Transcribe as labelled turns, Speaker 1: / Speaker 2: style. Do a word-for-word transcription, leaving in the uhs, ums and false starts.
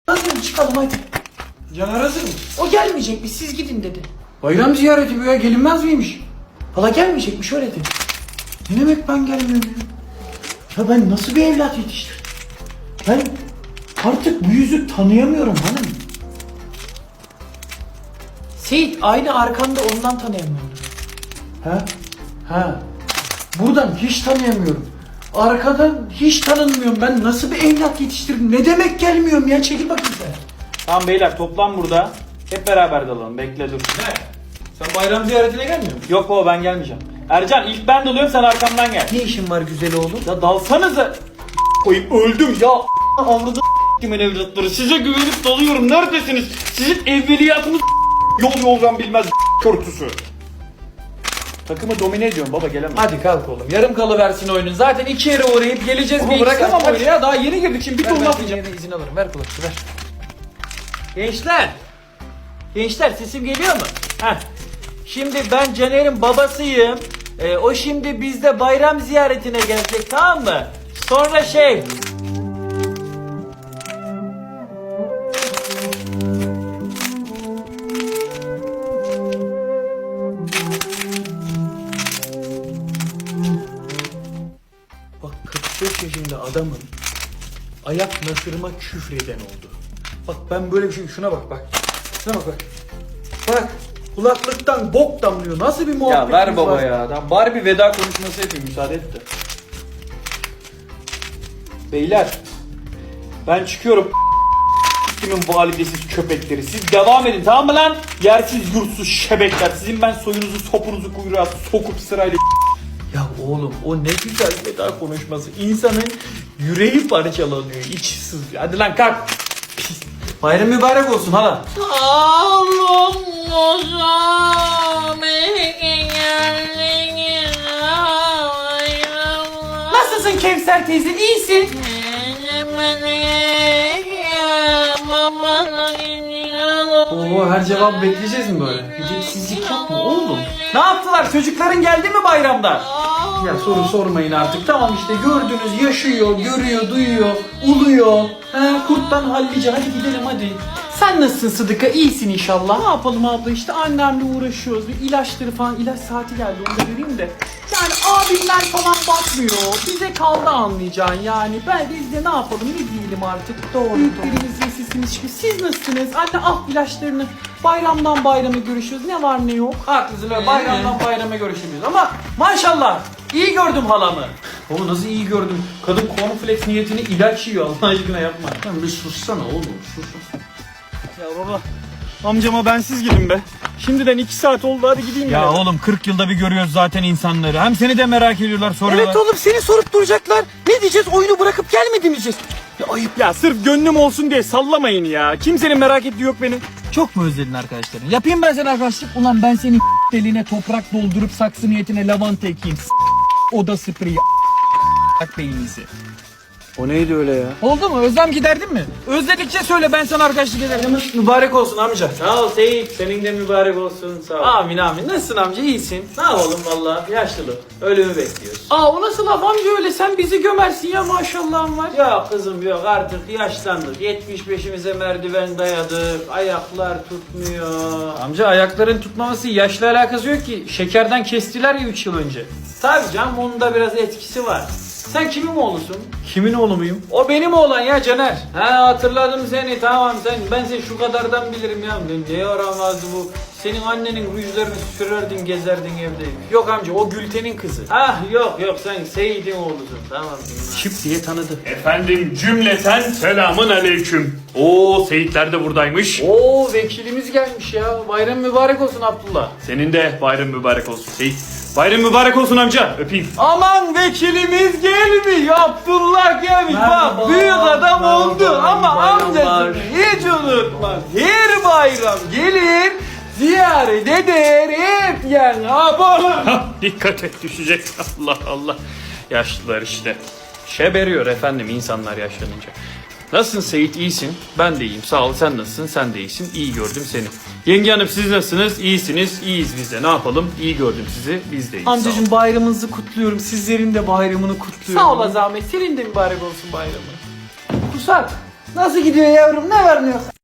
Speaker 1: Hadi çıkalım hadi.
Speaker 2: Caner hazır mı?
Speaker 1: O gelmeyecekmiş, siz gidin dedi.
Speaker 2: Bayram ziyareti bu ya, gelinmez miymiş?
Speaker 1: Hala gelmeyecekmiş, öyle dedi.
Speaker 2: Ne demek ben gelmiyorum ya?
Speaker 1: Ya ben nasıl bir evlat yetiştirdim? Ben artık bu yüzü tanıyamıyorum hanım. Seyit aynı arkanda, ondan tanıyamıyorum.
Speaker 2: Ha? Ha. Buradan hiç tanıyamıyorum. Arkadan hiç tanınmıyorum. Ben nasıl bir evlat yetiştirdim? Ne demek gelmiyorum ya? Çekil bakayım sen.
Speaker 3: Tamam beyler toplan burada. Hep beraber dalalım. Bekle dur.
Speaker 2: Ne? Sen bayram ziyaretine gelmiyor musun?
Speaker 3: Yok baba ben gelmeyeceğim. Ercan ilk ben dalıyorum sen arkamdan gel.
Speaker 1: Ne işin var güzel oğlum?
Speaker 3: Ya dalsanıza. Koyup öldüm ya. Avradı kimin evlatları. Size güvenip dalıyorum. Neredesiniz? Sizin evveliyatınız yol yoldan bilmez körtüsü. Takımı domine ediyorum baba gelemem.
Speaker 2: Hadi kalk oğlum. Yarım kalıversin oyunun. Zaten iki yere uğrayıp geleceğiz.
Speaker 1: Ama
Speaker 2: bir iki
Speaker 1: bırakamam
Speaker 2: saat.
Speaker 1: oyunu ya. Daha yeni girdik şimdi bir
Speaker 2: Ver,
Speaker 1: ton
Speaker 2: ben
Speaker 1: laf
Speaker 2: senin
Speaker 1: yiyeceğim.
Speaker 2: yerine izin alırım. Ver kulakçı ver.
Speaker 1: Gençler. Gençler sesim geliyor mu? Heh. Şimdi ben Caner'in babasıyım. Ee, o şimdi bizde bayram ziyaretine gelecek, tamam mı? Sonra şey... Bak kırk beş yaşında adamın ayak nasırıma küfreden oldu. Bak ben böyle bir şey, şuna bak bak. Şuna bak bak. Bak kulaklıktan bok damlıyor. Nasıl bir muhabbet?
Speaker 3: Ya ver baba ya. Tamam, bari bir veda konuşması yapayım müsaade et de. Beyler. Ben çıkıyorum. Kimin validesiz köpekleri. Siz devam edin tamam mı lan? Yersiz yurtsuz şebekler. Sizin ben soyunuzu sopunuzu kuyruğa sokup sırayla...
Speaker 1: Ya oğlum o ne güzel veda konuşması. İnsanın yüreği parçalanıyor. İçi sızlıyor. Hadi lan kalk. Pis.
Speaker 2: Bayram mübarek olsun hala.
Speaker 1: Nasılsın Kevser teyze? İyisin.
Speaker 2: Oo, her cevap bekleyeceğiz mi böyle?
Speaker 1: Edepsizlik yapma oğlum. Ne yaptılar? Çocukların geldi mi bayramda?
Speaker 2: Ya soru sormayın artık. Tamam işte gördünüz, yaşıyor, görüyor, duyuyor, uluyor.
Speaker 1: He, kurttan hallice. Hadi gidelim hadi. Sen nasılsın Sıdıka? İyisin inşallah. Ne yapalım abla işte annemle uğraşıyoruz. Bir ilaçları falan, ilaç saati geldi onu da vereyim de. Yani abimler falan bakmıyor. Bize kaldı anlayacağın yani. Ben biz de ne yapalım ne diyelim artık. Doğru Büyüklerimiz ve sesimiz çıkıyor. Siz nasılsınız? Anne al ilaçlarını. Bayramdan bayrama görüşüyoruz. Ne var ne yok.
Speaker 2: Haklısın öyle. Bayramdan bayrama görüşemiyoruz ama
Speaker 1: Maşallah. İyi gördüm halamı.
Speaker 2: oğlum nasıl iyi gördüm. Kadın cornflakes niyetine ilaç yiyor Allah aşkına yapma. Lan bir sussana oğlum sus.
Speaker 3: Ya baba. Amcama bensiz gidin be. Şimdiden iki saat oldu hadi gideyim ya.
Speaker 4: Ya oğlum kırk yılda bir görüyoruz zaten insanları. Hem seni de merak ediyorlar soruyorlar.
Speaker 1: Evet oğlum seni sorup duracaklar. Ne diyeceğiz? Oyunu bırakıp gelmedi mi diyeceğiz?
Speaker 3: Ya ayıp ya sırf gönlüm olsun diye sallamayın ya. Kimsenin merak ettiği yok benim.
Speaker 4: Çok mu özledin arkadaşlarını? Yapayım ben sana arkadaşlık. Ulan ben senin deliğine toprak doldurup saksı niyetine lavanta ekeyim. Oda spreyi. Bak beyninizi.
Speaker 3: O neydi öyle ya?
Speaker 4: Oldu mu? Özlem giderdin mi? Özledikçe söyle ben sana arkadaşlık ederim.
Speaker 2: Mübarek olsun amca.
Speaker 1: Sağ ol Seyit. Senin de mübarek olsun. Sağ ol.
Speaker 2: Amin amin. Nasılsın amca, iyisin?
Speaker 1: Ne yapalım valla? Yaşlılık. Ölümü bekliyoruz.
Speaker 2: Aa o nasıl laf amca öyle? Sen bizi gömersin ya maşallahın var.
Speaker 1: Yok kızım yok, artık yaşlandık. yetmiş beşimize merdiven dayadık. Ayaklar tutmuyor.
Speaker 2: Amca ayakların tutmaması yaşla alakası yok ki. Şekerden kestiler ya üç yıl önce.
Speaker 1: Tabii canım onun da biraz etkisi var. Sen kimin oğlusun?
Speaker 2: Kimin oğlu muyum?
Speaker 1: O benim oğlan ya Caner. He hatırladım seni, tamam sen. Ben seni şu kadardan bilirim ya. Ne yaramazdı bu. Senin annenin rujlarını sürerdin gezerdin evde. Yok amca o Gülten'in kızı. Ah yok yok sen Seyit'in oğlusun, tamam.
Speaker 2: Şıp diye tanıdı.
Speaker 5: Efendim cümleten selamın aleyküm. Oo Seyitler de buradaymış.
Speaker 2: Oo vekilimiz gelmiş ya. Bayram mübarek olsun Abdullah.
Speaker 5: Senin de bayram mübarek olsun Seyit. Bayram mübarek olsun amca. Öpeyim.
Speaker 1: Aman vekilimiz gelmiş, Abdullah gelmiş.
Speaker 2: Merhaba,
Speaker 1: Bak büyük adam
Speaker 2: merhaba,
Speaker 1: oldu
Speaker 2: iyi
Speaker 1: ama
Speaker 2: bayramlar.
Speaker 1: amcasını hiç unutmaz. Her bayram gelir, ziyaret eder, hep yani yapalım.
Speaker 5: Hah, dikkat et düşecek. Allah Allah. Yaşlılar işte. Şeberiyor efendim insanlar yaşlanınca. Nasılsın Seyit, iyisin? Ben de iyiyim sağ ol. Sen nasılsın? Sen de iyisin. İyi gördüm seni. Yenge hanım siz nasılsınız? İyisiniz. İyiyiz biz de. Ne yapalım? İyi gördüm sizi. Biz de iyiyiz. Sağ olun.
Speaker 1: Amcacığım bayramınızı kutluyorum. Sizlerin de bayramını kutluyorum. Sağ ol zahmet. Senin de mübarek olsun bayramı. Kusak.
Speaker 2: Nasıl gidiyor yavrum? Ne var ne yok?